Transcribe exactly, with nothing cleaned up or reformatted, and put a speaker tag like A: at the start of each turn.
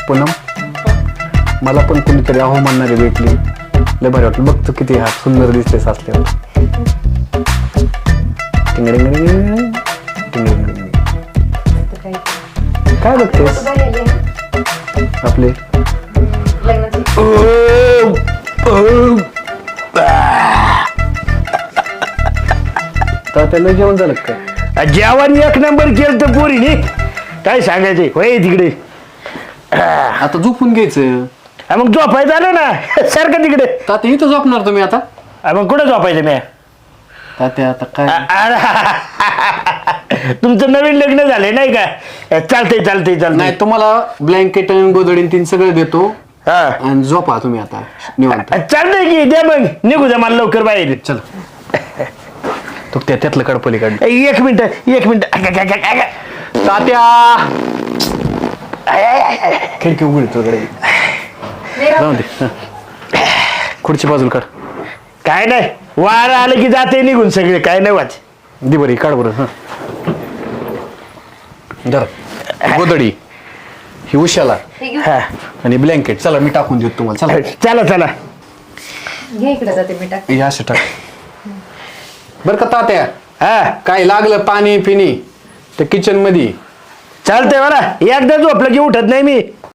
A: पूनम मला पण कोणीतरी अहो म्हणणारी भेटली, लय भारी वाटलं. बघतो किती हा सुंदर दिसते साचल्यावर. टिंगडिंगडिंग, टिंगडिंगडिंग. काय बघतेस आपले? त्याला जेवण झालं काय?
B: जेवण एक नंबर केलं तर पोरीने काय सांगायचे होय तिकडे.
A: आता झोपून घ्यायचं.
B: हा, मग झोपायचं आलं ना सारखं तिकडे.
A: तात्या इथं झोपणार तुम्ही आता?
B: हा, मग कुठं झोपायचं मी?
A: तात्या आता काय?
B: तुमचं नवीन लग्न झालंय नाही का? चालतंय चालतंय
A: नाही,
B: चालतंय.
A: तुम्हाला ब्लँकेट आणि गोदडी तीन सगळं देतो
B: हा
A: आणि झोपा तुम्ही आता निवांत.
B: चालतंय की द्या मग निघू द्या मला लवकर बाहेर.
A: चल तू त्या त्यातलं काढ पलीकडे.
B: एक मिनिट एक मिनिट.
A: तात्या खिडकी उघडी तुझ्याकडे जाऊ दे. हं. खुर्ची बाजूला काढ.
B: काय नाही वार आलं की जाते निघून सगळे काय नाही वाच.
A: दे बरी काढ बरं. हं धर गोदडी ही उशाला
B: हा
A: आणि ब्लँकेट. चला मी टाकून देतो तुम्हाला. चला
B: चला चला.
C: घे इकडे जाते मी टाक.
A: हे असं टाक बरं का तात्या.
B: हा
A: काय लागलं पाणी पिणी त्या किचन मध्ये.
B: चालतंय मला एकदा झोपलं की उठत नाही मी.